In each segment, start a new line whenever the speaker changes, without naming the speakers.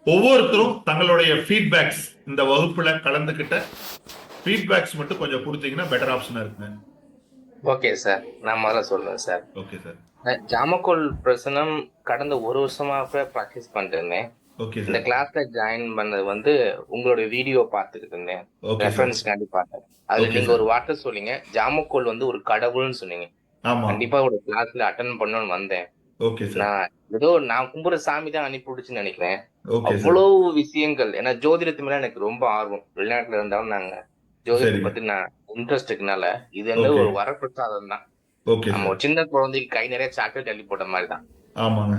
ஒவ்வொருத்தரும் தங்களுடைய ஃபீட்பேக்ஸ் இந்த வகுப்புல கலந்துகிட்ட ஃபீட்பேக்ஸ் மட்டும் கொஞ்சம் கொடுத்தீங்கன்னா பெட்டர் ஆப்ஷனா இருக்குங்க.
ஓகே சார், நான் முதல்ல சொல்றேன் சார்.
Okay sir.
ஜாமக்கோல் பிரசனம் கடந்த ஒரு வருஷமாக ப்ராக்டிஸ் பண்ணிட்டு இருந்தேன்.
ஓகே
இந்த
சார்.
கிளாஸ்ல ஜாயின் பண்ணது வந்து உங்களுடைய வீடியோ பார்த்துக்கிட்டு இருந்தேன்.
Okay sir.
ரெஃபரன்ஸ்க்காண்டி பார்த்தேன். அதுல
ஓகே
நீங்க
சார்.
ஒரு வார்த்தை சொன்னீங்க, ஜாமக்கோல் வந்து ஒரு கடவுள்னு சொன்னீங்க.
ஆமா.
கண்டிப்பா ஒரு கிளாஸ்ல அட்டன் பண்ணணும்னு வந்தேன்.
Okay sir.
நான் ஏதோ நான் கும்புற சாமி தான் அனுப்பி விடுச்சுன்னு நினைக்கிறேன்.
Okay sir.
அவ்வளவு விஷயங்கள், ஏன்னா ஜோதிடத்து மேல எனக்கு ரொம்ப ஆர்வம். வெளிநாட்டுல இருந்தாலும் நாங்க ஜோதிடத்தை
சரிங்க.
பத்தி நான் இன்ட்ரெஸ்ட் இருக்கனால இது வந்து
ஓகே.
ஒரு வரப்பிரசாதம் தான்.
ஓகே
நம்ம
சார்.
ஒரு சின்ன குழந்தைக்கு கை நிறைய சாக்லேட் அள்ளி போட்ட மாதிரி தான்.
ஆமாங்க.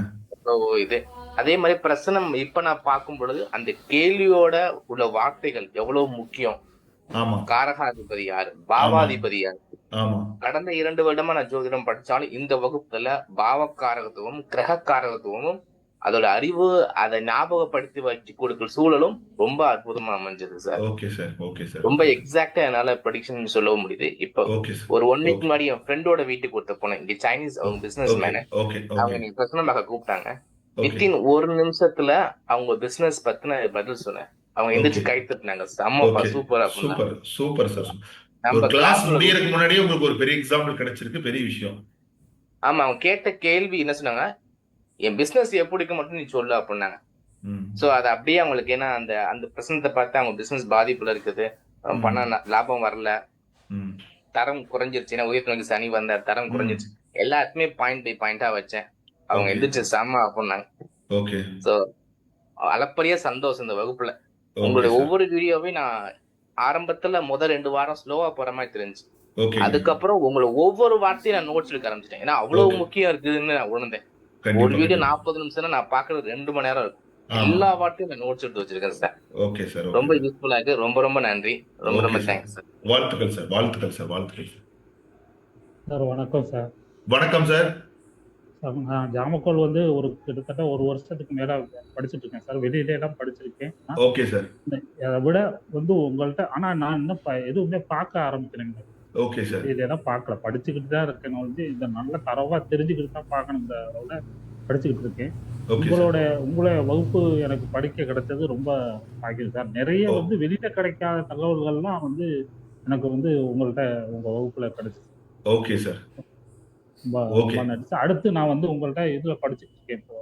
இது அதே மாதிரி பிரசனம் இப்ப நான் பார்க்கும் பொழுது அந்த கேள்வியோட உள்ள வார்த்தைகள் எவ்வளவு முக்கியம்.
ஆமா.
காரகாதிபதி யாரு,
ஆமா.
பாவாதிபதி யாரு.
ஆமா.
கடந்த 2 வருடமா நான் ஜோதிடம் படிச்சாலும் இந்த வகுப்புல பாவக்காரகத்துவமும் கிரகக்காரகத்துவமும் அதோட அறிவு அதை ஞாபகப்படுத்தி வச்சு கொடுக்கிற சூழலும் ரொம்ப அற்புதமா அமைஞ்சது sir.
Okay sir. Okay sir.
ரொம்ப எக்ஸாக்டா என்னால ப்ரெடிக்ஷன் சொல்லவும் முடியுது. இப்போ
ஓகே சார்.
ஒரு 1 வீக்
ஓகே.
முன்னாடி என் ஃப்ரெண்டோட வீட்டுக்கு ஒருத்த போனேன். இங்க சைனீஸ், அவங்க பிசினஸ்
ஓகே.
மேனு.
ஓகே.
அவங்க
ஓகே.
நீ பிரசனம் பார்க்க கூப்பிட்டாங்க.
ஓகே.
வித்தின் 1 நிமிஷத்துல அவங்க பிசினஸ் பத்தின பதில் சொன்னேன். அவங்க
ஓகே.
எந்திரிச்சு கை தட்டினாங்க. செம்மப்பா,
ஓகே.
சூப்பர் அப்படின்னா.
சூப்பர். Super sir. ஒரு
நம்ம
கிளாஸ்
கிளாஸ்ல
முடியறதுக்கு முன்னாடியே உங்களுக்கு ஒரு பெரிய எக்ஸாம்பிள் கிடைச்சிருக்கு. பெரிய விஷயம்.
ஆமா, அவங்க கேட்ட கேள்வி என்ன சொன்னாங்க, என் பிசினஸ் எப்படிக்கு மட்டும் நீ சொல்லு அப்படின்னாங்க.
ம்.
சோ அது அப்படியே அவங்களுக்கு, ஏன்னா அந்த அந்த பிரசனத்தை பார்த்து அவங்க பிசினஸ் பாதிப்புல இருக்குது.
ம்.
பண லாபம் வரல,
ம்.
தரம் குறைஞ்சிருச்சு. ஏன்னா உயிர் நோக்கி சனி வந்த தரம்
ம்.
குறைஞ்சிருச்சு. எல்லாத்துக்குமே பாயிண்ட் பை பாயிண்டா வச்சேன். அவங்க
ஓகே.
எந்திரிச்சு செம்ம அப்படின்னாங்க.
ஓகே.
சோ அளப்பரிய சந்தோஷம் இந்த வகுப்புல.
ஓகே
உங்களுடைய
சார்.
ஒவ்வொரு வீடியோவையும் நான் ஆரம்பத்துல முதல் 2 வாரம் ஸ்லோவா போற மாதிரி தெரிஞ்சு,
ஓகேங்க.
அதுக்கப்புறம் உங்களை ஒவ்வொரு வார்த்தையும் நான் நோட்ஸ் எடுக்க ஆரம்பிச்சிட்டேன். ஏன்னா அவ்வளவு
ஓகே.
முக்கியம் இருக்குதுன்னு நான் உணர்ந்தேன். ஒரு
கண்டிப்பா,
வீடியோ
கண்டிப்பா.
40 நிமிஷம் நான் பாக்குறது 2 மணி நேரம் இருக்கும்.
ஆமா.
எல்லா வார்த்தையும் நான் நோட்ஸ் எடுத்து வச்சிருக்கேன் சார்.
Okay sir. ஓகே
ரொம்ப
சார்.
யூஸ்ஃபுல்லா இருக்கு. ரொம்ப ரொம்ப நன்றி. ரொம்ப
ஓகே
ரொம்ப
சார்.
Thanks sir.
வாழ்த்துக்கள் சார். வாழ்த்துக்கள் சார். வாழ்த்துக்கள் சார்.
சார் வணக்கம் சார்.
வணக்கம் சார்.
சார் நான் ஜாமக்கோல் வந்து ஒரு கிட்டத்தட்ட 1 வருஷத்துக்கு மேல படிச்சுட்டு இருக்கேன் சார். வெளியில எல்லாம் படிச்சிருக்கேன்.
Okay sir.
அதை விட வந்து உங்கள்கிட்ட ஆனா நான் இன்னும் எதுவுமே பார்க்க ஆரம்பிக்கிறேங்க.
Okay sir.
வெளியில தான் பார்க்கல, படிச்சுக்கிட்டு தான் இருக்கேன். நான் வந்து இந்த நல்ல தரவா தெரிஞ்சுக்கிட்டு தான் பார்க்கணும். இந்த அளவுல படிச்சுக்கிட்டு இருக்கேன்.
Okay sir.
உங்களோட வகுப்பு எனக்கு படிக்க கிடைச்சது ரொம்ப பாக்கியம் சார். நிறைய
ஓ.
வந்து வெளியில கிடைக்காத தகவல்கள்லாம் வந்து எனக்கு வந்து உங்கள்கிட்ட உங்க வகுப்புல கிடைச்சு
ஓகே சார்.
ரொம்ப
ஓகே.
ரொம்ப நன்றி சார். அடுத்து நான் வந்து உங்கள்கிட்ட இதுல படிச்சுட்டு இருக்கேன் இப்போ.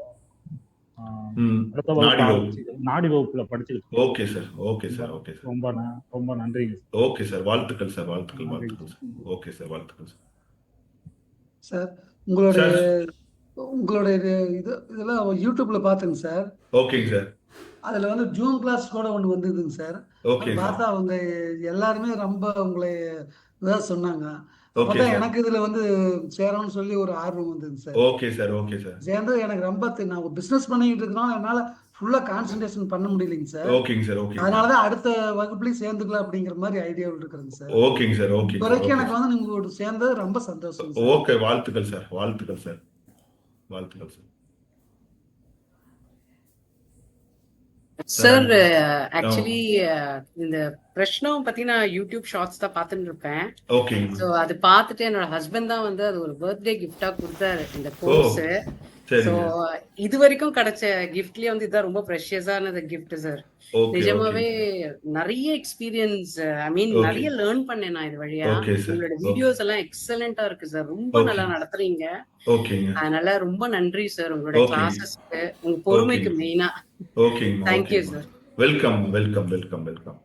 ம்.
அடுத்த
நாடி
வகுப்பு
வகுப்பு.
ஆரம்பிச்சு நாடி வகுப்புல படிச்சுக்கிட்டு இருக்கேன்.
Okay sir. Okay sir. Okay sir.
ரொம்ப நன்றிங்க சார்.
Okay sir. வாழ்த்துக்கள் சார். வாழ்த்துக்கள்.
நன்றிங்க
வாழ்த்துக்கள் சார்.
சார்.
Okay sir. வாழ்த்துக்கள் சார்.
சார் உங்களுடைய
சார்.
உங்களுடைய இதெல்லாம் யூடியூப்ல பார்த்தேங்க சார்.
ஓகேங்க சார்.
அதுல வந்து ஜூம் கிளாஸ் கூட ஒன்று வந்ததுங்க சார்.
Okay sir.
பார்த்தா அவங்க எல்லாருமே ரொம்ப உங்களை இதாக சொன்னாங்க.
ஓகே
அப்பதான்
சார்.
எனக்கு இதுல வந்து சேரணும்னு சொல்லி ஒரு ஆர்வம் வந்ததுங்க sir.
Okay sir. Okay sir.
சேர்ந்து எனக்கு ரொம்ப நான் பிசினஸ் பண்ணிக்கிட்டு இருக்கனால என்னால ஃபுல்லா கான்சென்ட்ரேஷன் பண்ண முடியலைங்க சார்.
ஓகேங்க சார். ஓகேங்க சார்.
அதனாலதான் அடுத்த வகுப்புலயும் சேர்ந்துக்கலாம் அப்படிங்கிற மாதிரி ஐடியாவில் இருக்கிறேங்க சார்.
ஓகேங்க சார். ஓகே
இப்போ
சார்.
வரைக்கும்
ஓகே
எனக்கு
சார்.
வந்து நீங்க சேர்ந்தது ரொம்ப சந்தோஷம் சார்.
ஓகே. வாழ்த்துக்கள் சார். வாழ்த்துக்கள் சார். வாழ்த்துக்கள் சார்.
Sir
ah.
ஆக்சுவலி இந்த பிரஷ்னம் பத்தி நான் யூடியூப் ஷார்ட்ஸ் தான் பார்த்துட்டு இருப்பேன்.
ஓகேங்க.
ஸோ அது பார்த்துட்டு என்னோட ஹஸ்பண்ட் தான் வந்து அது ஒரு பர்த்டே கிஃப்டா கொடுத்தாரு இந்த
ஓ.
கோர்ஸ். ஸோ
சரிங்க.
இது வரைக்கும் கிடைச்ச கிஃப்ட்லயே வந்து இதான் ரொம்ப ப்ரெஷியஸான கிஃப்ட் சார்.
ஓகே.
நிஜமாவே
ஓகே.
நிறைய எக்ஸ்பீரியன்ஸ், ஐ மீன்
ஓகே.
நிறைய லேர்ன் பண்ணேன் நான் இது வழியா.
Okay sir.
உங்களோட
ஓகே.
வீடியோஸ் எல்லாம் எக்ஸலண்டா இருக்கு சார். ரொம்ப
ஓகே.
நல்லா நடத்துறீங்க.
ஓகேங்க.
அதனால ரொம்ப நன்றி சார் உங்களுடைய
ஓகேங்க.
கிளாஸஸ்க்கு, உங்க பொறுமைக்கு
ஓகேங்க.
மெயினா.
ஓகேங்க.
தேங்க்யூ
ஓகேங்க.
Sir.
Welcome. Welcome. Welcome. Welcome.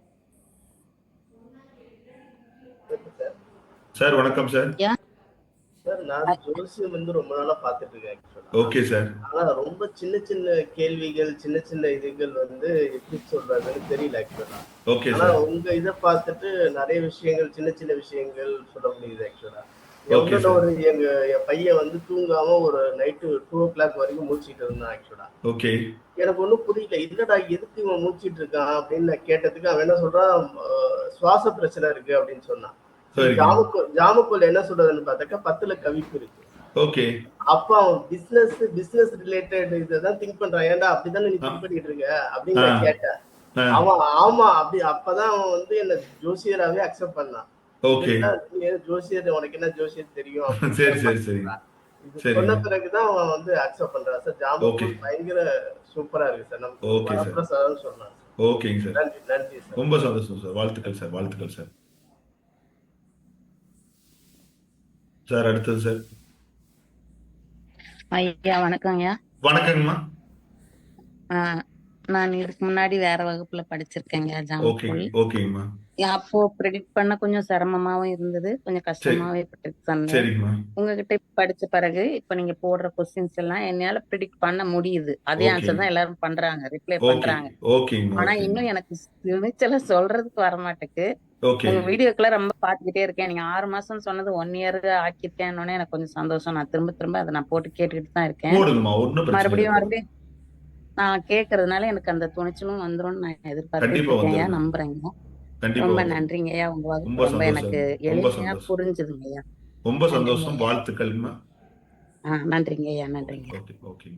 Sir வணக்கம் சார்.
சார் நான் ஜோசியம் வந்து ரொம்ப நாளா பார்த்துட்டு இருக்கேன் ஆக்சுவலா.
Okay sir.
ஆனா ரொம்ப சின்ன சின்ன கேள்விகள், சின்ன சின்ன இதுகள் வந்து எப்படி சொல்றதுன்னு தெரியல ஆக்சுவலா.
ஓகே
ஆனா
சார்.
உங்க இதை பார்த்துட்டு நிறைய விஷயங்கள், சின்ன சின்ன விஷயங்கள் சொல்ல முடியுது ஆக்சுவலா.
ஓகே
எவ்வளோ
சார்.
ஒரு என் பையன் வந்து தூங்காம ஒரு நைட்டு 2 o'clock வரைக்கும் மூச்சிட்டு இருந்தான் ஆக்சுவலா.
ஓகே.
எனக்கு ஒன்றும் புரியல, இல்லடா எதுக்கு இவன் மூச்சிட்டு இருக்கான் அப்படின்னு நான் கேட்டதுக்கு அவன் என்ன சொல்றான், சுவாச பிரச்சனை இருக்கு அப்படின்னு சொன்னான்.
சரிங்க.
ஜாமக்கோல் என்ன சொல்றதுன்னு பார்த்தாக்கா 10ல கவிப்பு இருக்கு.
ஓகே.
அப்ப அவன் பிசினஸ் ரிலேட்டட் இததான் திங்க் பண்றான். ஏன்டா அப்படித்தானே நீ திங்க் பண்ணிட்டு இருக்க அப்படின்னு நான் கேட்டேன்.
ஆ.
அவன் ஆமா அப்படி அப்பதான் அவன் வந்து என்ன ஜோசியராவே அக்செப்ட் பண்ணான்.
ஓகே.
என்னடா நீ ஜோசியர், உனக்கு என்ன ஜோசியர் தெரியும்
சரி
அப்படின்னு
சரி சரி.
சொன்னான். இது
சரிங்க.
சொன்ன பிறகுதான் அவன் வந்து அக்செப்ட் பண்றான். Sir
okay.
ஜாமக்கோல் பயங்கர சூப்பரா இருக்கு சார். நமக்கு
ஓகே சார்.
வரப்பிரசாதம்னு சொல்லலாம்.
ஓகேங்க சார்.
நன்றி நன்றி சார்.
ரொம்ப சந்தோஷம் சார். வாழ்த்துக்கள் சார். வாழ்த்துக்கள் சார். சார் அடுத்தது சார்.
ஐயா வணக்கங்கய்யா.
வணக்கங்கம்மா.
நான் இதுக்கு முன்னாடி வேற வகுப்புல படிச்சிருக்கேங்க
ஓகே
ஜாமக்கோல்.
ஓகேங்கம்மா.
அப்போ ப்ரெடிக்ட் பண்ண கொஞ்சம் சிரமமாவும் இருந்தது, கொஞ்சம் கஷ்டமாவே ப்ரெடிக்ட் பண்ணேன்.
சரிங்கம்மா.
உங்ககிட்ட படிச்ச பிறகு இப்ப நீங்க போடுற கொஸ்டின்ஸ் எல்லாம் என்னால ப்ரெடிக்ட் பண்ண முடியுது. அதே
ஓகே
ஆன்சர் தான் எல்லாரும் பண்றாங்க, ரிப்ளை
ஓகே
பண்றாங்க.
ஓகேங்கம்மா.
ஆனா
ஓகேங்கம்மா.
இன்னும் எனக்கு துணிச்சல சொல்றதுக்கு வர மாட்டேக்கு.
ஓகே
உங்க வீடியோக்கெல்லாம் ரொம்ப பாத்துக்கிட்டே இருக்கேன். நீங்க 6 மாசம் சொன்னது 1 இயர் ஆக்கிருக்கேன்னு எனக்கு கொஞ்சம் சந்தோஷம். நான் திரும்ப திரும்ப அதை நான் போட்டு கேட்டுக்கிட்டு தான் இருக்கேன்.
போடுங்கம்மா. ஒன்றும் பிரச்சனை இல்லை.
மறுபடியும் மறுபடியும் நான் கேக்குறதுனால எனக்கு அந்த துணிச்சலும் வந்துரும்னு நான் எதிர்பார்த்துட்டு
கண்டிப்பா
இருக்கேன்யா,
வந்துருங்க.
நம்புறேங்க.
கண்டிப்பா
ரொம்ப
வந்துரும்.
நன்றிங்கய்யா. உங்க வகுப்பு
ரொம்ப
ரொம்ப எனக்கு
சந்தோஷம். ரொம்ப
எளிமையா
சந்தோஷம்.
புரிஞ்சுதுங்கய்யா.
ரொம்ப சந்தோஷம்.
நன்றிங்கய்யா.
வாழ்த்துக்கள்மா.
நன்றிங்கய்யா. நன்றிங்க.
ஓகே ஓகே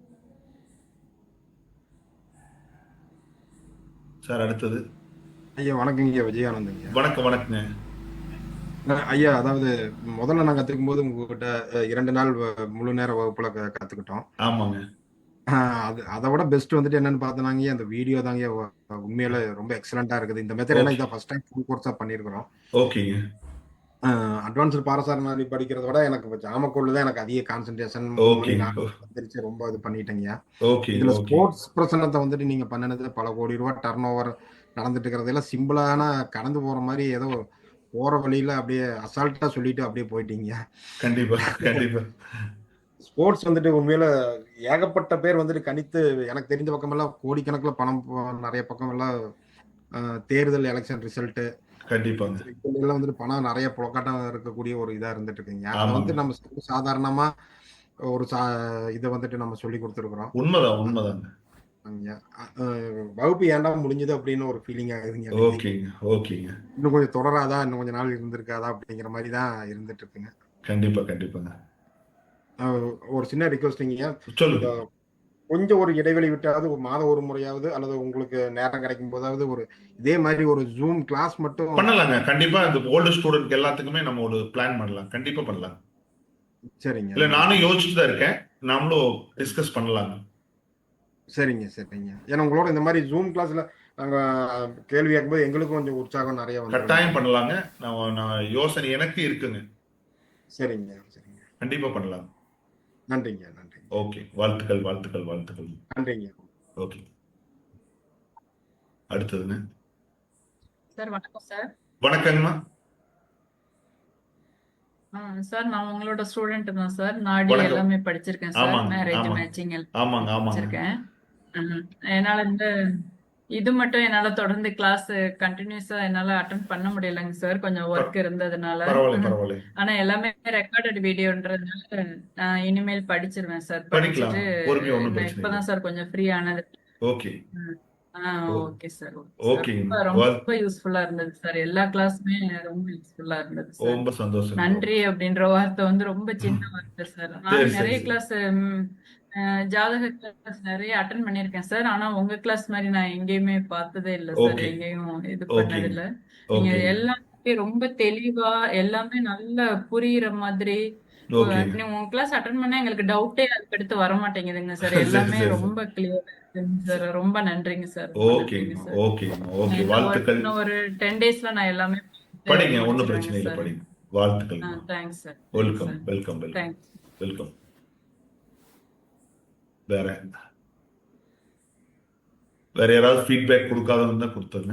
சார் அடுத்தது.
ஐயா வணக்கங்க. விஜயானந்தங்க.
வணக்கம் வணக்கங்க.
ஐயா அதாவது முதல்ல நான் கத்துக்கும் போது உங்ககிட்ட 2 நாள் முழு நேர வகுப்புல கத்துக்கிட்டோம்.
ஆமாங்க.
அதை விட பெஸ்ட் வந்துட்டு என்னன்னு பார்த்தோன்னாங்க அந்த வீடியோ தாங்க உண்மையில ரொம்ப எக்ஸலண்டா இருக்குது. இந்த மெத்தட் எல்லாம் இதான் ஃபர்ஸ்ட் டைம் ஃபுல் கோர்ஸா பண்ணியிருக்கிறோம்.
ஓகேங்க.
அட்வான்ஸ்டு பாரசாரநாதி படிக்கிறத விட எனக்கு இப்போ ஜாமக்கோல் தான் எனக்கு அதிக கான்சென்ட்ரேஷன்
ஓகே
வந்துருச்சு. ரொம்ப இது பண்ணிட்டேங்க.
ஓகே
இதுல
ஓகே
ஸ்போர்ட்ஸ் பிரச்சனத்தை வந்துட்டு நீங்க பண்ணினது பல கோடி ரூபாய் டர்ன் ஓவர் நடந்துட்டு இருக்கிறதெல்லாம் சிம்பிளான கடந்து போற மாதிரி ஏதோ போற வழியில அப்படியே அசால்ட்டா சொல்லிட்டு அப்படியே போயிட்டீங்க.
கண்டிப்பா கண்டிப்பா.
ஸ்போர்ட்ஸ் வந்துட்டு உண்மையில ஏகப்பட்ட பேர் வந்துட்டு கணித்து எனக்கு தெரிஞ்ச பக்கமெல்லாம் கோடிக்கணக்கில் பணம் நிறைய பக்கம் எல்லாம் தேர்தல் எலெக்ஷன் ரிசல்ட்
கண்டிப்பாங்க.
எல்லாம் வந்துட்டு பணம் நிறைய புழக்காட்டம் இருக்கக்கூடிய ஒரு இதா இருந்துட்டு இருக்குங்க. அதை
ஆமாங்க.
வந்து நம்ம சாதாரணமா ஒரு இதை வந்துட்டு நம்ம சொல்லி கொடுத்துருக்குறோம்.
உண்மைதான் உண்மைதாங்க.
வகுப்பு ஏன்டா முடிஞ்சது அப்படின்னு ஒரு ஃபீலிங் ஆகுதுங்க.
ஓகேங்க ஓகேங்க.
இன்னும் கொஞ்சம் தொடராதா, இன்னும் கொஞ்சம் நாள் இருந்திருக்காதா அப்படிங்கிற மாதிரி தான் இருந்துட்டு இருக்குங்க.
கண்டிப்பா கண்டிப்பாங்க.
ஒரு சின்ன ரிக்வஸ்டிங்க,
சொல்லுங்க.
கொஞ்சம் ஒரு இடைவெளி விட்டாவது ஒரு மாதம் ஒரு முறையாவது அல்லது உங்களுக்கு நேரம் கிடைக்கும் போதாவது ஒரு இதே மாதிரி ஒரு ஜூம் கிளாஸ் மட்டும்
பண்ணலாங்க. கண்டிப்பா இந்த ஓல்டு ஸ்டூடெண்ட் எல்லாத்துக்குமே நம்ம ஒரு பிளான் பண்ணலாம். கண்டிப்பா பண்ணலாம்.
சரிங்க.
இல்ல நானும் யோசிச்சுட்டு தான் இருக்கேன். நாமளும் டிஸ்கஸ் பண்ணலாங்க.
சரிங்க சரிங்க. ஏன்னா உங்களோட இந்த மாதிரி ஜூம் கிளாஸ்ல நாங்க கேள்வி கேட்கும்போது எங்களுக்கும் கொஞ்சம் உற்சாகம் நிறைய வந்து
கட்டாயம் பண்ணலாங்க. நான் யோசனை எனக்கு இருக்குங்க.
சரிங்க சரிங்க.
கண்டிப்பா பண்ணலாம்.
நன்றிங்க நன்றிங்க.
ஓகே. வாழ்த்துக்கள் வாழ்த்துக்கள் வாழ்த்துக்கள்.
நன்றிங்க.
ஓகே. அடுத்ததுங்க.
சார் வணக்கம் சார்.
வணக்கங்கம்மா.
சார் நான் உங்களோட ஸ்டூடெண்ட் தான் சார். நாடி
வணக்கம்.
எல்லாமே படிச்சிருக்கேன் சார்.
ஆமாங்க
மேரேஜ்
ஆமாங்க
மேட்சிங்
ஆமாங்க ஆமாங்க.
படிச்சிருக்கேன். என்னால இது மட்டும் என்னால தொடர்ந்து கிளாஸ் கண்டினியூஸா என்னால அட்டென்ட் பண்ண முடியலங்க சார், கொஞ்சம் ஒர்க் இருந்ததுனால.
பரவாயில்ல பரவாயில்ல.
ஆனா எல்லாமே ரெக்கார்டட் வீடியோன்றதுனால நான் இனிமேல் படிச்சிருவேன் சார்.
படிக்கலாம்.
படிச்சுட்டு
பொறுமையா ஒண்ணும்
நான்
பிரச்சனை இல்லை.
இப்பதான் சார் கொஞ்சம் ஃப்ரீ ஆனது.
Okay
okay sir.
ஓகேங்க.
ரொம்ப யூஸ்ஃபுல்லா இருந்தது சார். எல்லா கிளாஸுமே ரொம்ப யூஸ்ஃபுல்லா இருந்தது சார்.
ரொம்ப சந்தோஷம்.
நன்றி அப்படின்ற வார்த்தை ரொம்ப சின்ன வார்த்தை சார்.
சரி,
நான்
சரி,
நிறைய
சரி.
கிளாஸ் ஜாதக கிளாஸ் நிறைய அட்டன் பண்ணிருக்கேன் சார். ஆனா உங்க கிளாஸ் மாதிரி நான் எங்கேயுமே பார்த்ததே இல்லை சார்.
ஓகே
எங்கேயும் இது
ஓகே
பண்ணதில்ல. நீங்க
ஓகே
எல்லாமே ரொம்ப தெளிவா எல்லாமே நல்லா புரியுற மாதிரி.
ஓகே.
உங்க கிளாஸ் அட்டன் பண்ணா எங்களுக்கு டவுட்டே அதுக்கடுத்து வர மாட்டேங்குதுங்க சார்.
சரி
எல்லாமே
சரி
ரொம்ப கிளியரா இருக்குங்க சார். ரொம்ப நன்றிங்க சார். ரொம்ப நன்றிங்க
ஓகேங்கம்மா
சார்.
ஓகேங்கம்மா ஓகே. வாழ்த்துக்கள்.
இன்னும் ஒரு 10 டேஸ்ல நான் எல்லாமே
படிங்க. ஒன்றும்
முடிச்சிருவேங்க
பிரச்சனை இல்லை.
சார்.
படிங்க. வாழ்த்துக்கள்மா.
Thanks sir.
Welcome welcome welcome
thanks.
Welcome. வேற வேற யாராவது ஃபீட்பேக் கொடுக்காதவங்க தான் கொடுத்துருங்க.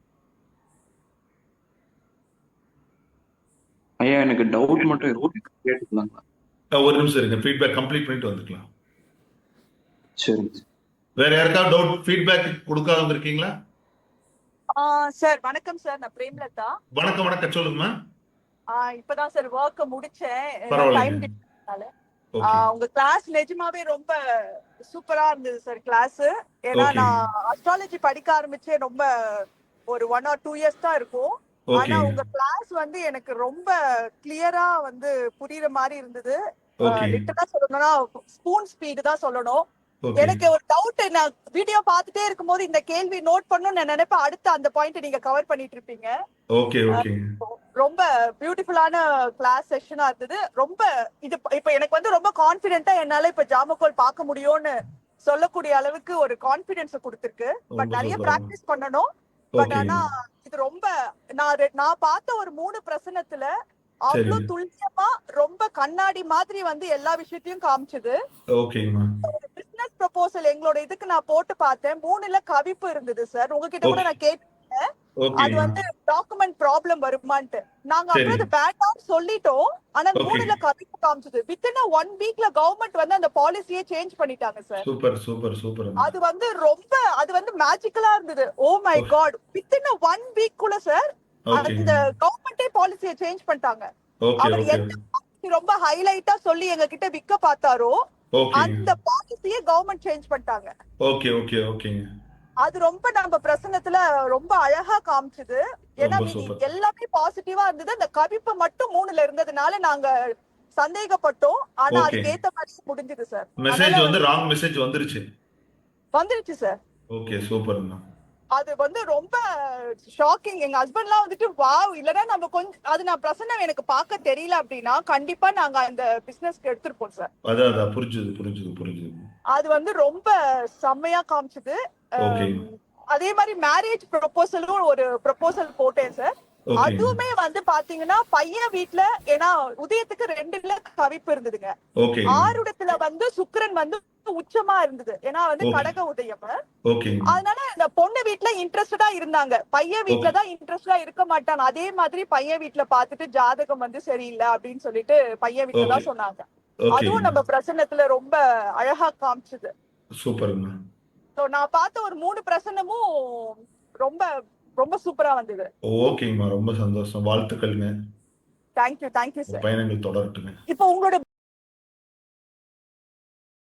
ஐயா எனக்கு டவுட் மட்டும் இருக்கு, கேட்டுக்கலாங்களா?
ஒரு நிமிஷம் இருங்க. ஃபீட்பேக் கம்ப்ளீட் பண்ணிட்டு வந்துக்கலாம்.
சரிங்க.
வேற யாருக்காவது டவுட் ஃபீட்பேக் கொடுக்காதவங்க இருக்கீங்களா?
சார் வணக்கம் சார். நான் பிரேம்லதா.
வணக்கம் வணக்கம். சொல்லுங்கம்மா.
இப்பதான் சார் ஒர்க்க முடிச்சேன்.
பரவாயில்லைங்க. ஓகே
உங்க கிளாஸ் நிஜமாவே ரொம்ப சூப்பரா இருந்தது சார் கிளாஸ். ஏன்னா
ஓகே
நான் அஸ்ட்ராலஜி படிக்க ஆரம்பிச்சே ரொம்ப ஒரு 1 or 2 இயர்ஸ் தான் இருக்கும். ஆனா
ஓகே
உங்க கிளாஸ் எனக்கு ரொம்ப கிளியரா புரியுற மாதிரி இருந்தது.
ஓகே
லிட்டரலா சொல்லணும்னா ஸ்பூன் ஸ்பீடு தான் சொல்லணும்.
ஓகே
எனக்கு ஒரு டவுட். நான் வீடியோ பார்த்துட்டே இருக்கும்போது இந்த கேள்வி நோட் பண்ணணும்னு நான் நினைப்பேன். அடுத்து அந்த பாயிண்ட் நீங்க கவர் பண்ணிட்டு இருப்பீங்க.
ஓகே ஓகே
ரொம்ப பியூட்டிஃபுல்லான கிளாஸ் செஷனா இருந்தது. ரொம்ப இது இப்ப எனக்கு ரொம்ப கான்பிடென்ட்டா என்னால இப்ப ஜாமக்கோல் பார்க்க முடியும்னு சொல்லக்கூடிய அளவுக்கு ஒரு கான்பிடன்ஸ் கொடுத்திருக்கு. பட்
ரொம்ப
நிறைய
சூப்பர்.
பிராக்டிஸ் பண்ணணும். பட்
ஓகேங்க.
ஆனா இது ரொம்ப நான் பார்த்த ஒரு 3 பிரசனத்துல அவ்வளவு
சரிங்க.
துல்லியமா ரொம்ப கண்ணாடி மாதிரி வந்து எல்லா விஷயத்தையும் காமிச்சது.
ஓகேங்கம்மா.
பிசினஸ் ப்ரொபோசல் எங்களோட இதுக்கு நான் போட்டு பார்த்தேன். 3ல கவிப்பு இருந்தது சார். உங்ககிட்ட கூட
ஓகே.
நான் கேட்டேன் அது
ஓகேங்கம்மா.
வந்து டாக்குமெண்ட் ப்ராப்ளம் வருமான்ட்டு. நாங்க
சரி.
அப்புறம் அது வேண்டாம்னு சொல்லிட்டோம். ஆனா
ஓகே.
3ல கவிப்பு காமிச்சது. வித்தின் 1 வீக்ல கவர்மெண்ட் வந்து அந்த பாலிசியே சேஞ்ச் பண்ணிட்டாங்க சார்.
Super super super.
அது வந்து மேஜிக்கலா இருந்தது. Oh my
okay.
God, within 1 week குள்ள சார் அந்த
ஓகேங்க.
கவர்மெண்டே பாலிசியை சேஞ்ச் பண்ணிட்டாங்க.
ஓகே
அவர்
ஓகே
எந்த policy ரொம்ப ஹைலைட்டா சொல்லி எங்க கிட்ட விக்க பார்த்தாரோ
ஓகேங்க.
அந்த பாலிசியை கவர்மெண்ட் சேஞ்ச் பண்ணிட்டாங்க.
ஓகே ஓகே ஓகேங்க.
அது ரொம்ப நம்ம பிரசனத்துல ரொம்ப அழகா காமிச்சது. ஏன்னா
ரொம்ப சூப்பர்.
எல்லாமே பாசிட்டிவா இருந்தது. அந்த கவிப்பு மட்டும் 3ல இருந்ததுனால நாங்க சந்தேகப்பட்டோம். ஆனா
ஓகே.
அதுக்கு ஏத்த மாதிரி முடிஞ்சது சார்.
மெசேஜ்
அதனால
வந்து ராங் மெசேஜ் வந்துருச்சு.
வந்துருச்சு சார்.
ஓகே சூப்பர்ண்ணா.
அது வந்து ரொம்ப ஷாக்கிங். எங்க ஹஸ்பண்ட்லாம் வந்துட்டு வாவ், இல்லனா நம்ம கொஞ்சம் அது நான் பிரசன்னம் எனக்கு பார்க்க தெரியல அப்படின்னா கண்டிப்பா நாங்க அந்த பிசினஸ்க்கு எடுத்துருப்போம் சார்.
அதான் புரிஞ்சுது.
அது வந்து ரொம்ப செம்மையா காமிச்சது.
ஓகேங்க.
அதே மாதிரி மேரேஜ் ப்ரொபோசலும் ஒரு ப்ரொபோசல் போட்டேன் சார்.
ஓகேங்க.
அதுவுமே வந்து பாத்தீங்கன்னா பையன் வீட்ல, ஏன்னா உதயத்துக்கு 2ல கவிப்பு இருந்ததுங்க.
ஓகேங்க.
ஆருடத்துல வந்து சுக்கிரன் வந்து உச்சமா இருந்தது. ஏன்னா வந்து
ஓகே.
கடக உதயம்.
ஓகேங்க.
அதனால இந்த பொண்ணு வீட்ல இன்ட்ரெஸ்டடா இருந்தாங்க. பையன் வீட்ல தான் இன்ட்ரெஸ்டடா இருக்க மாட்டான். அதே மாதிரி பையன் வீட்ல பார்த்துட்டு ஜாதகம் வந்து சரியில்லை அப்படின்னு சொல்லிட்டு பையன் வீட்ல தான்
ஓகே.
சொன்னாங்க.
ஓகேங்க.
அதுவும் நம்ம பிரசன்னத்துல ரொம்ப அழகா காமிச்சது.
சூப்பர்ண்ணா.
So, நான் பார்த்த ஒரு 3 பிரசன்னமும் ரொம்ப ரொம்ப சூப்பரா வந்தது.
ஓகேங்கம்மா. ரொம்ப சந்தோஷம். வாழ்த்துக்கள்ங்க.
தேங்க்யூ
உங்க
சார்.
பயணங்கள் தொடரட்டுங்க.
இப்போ உங்களோட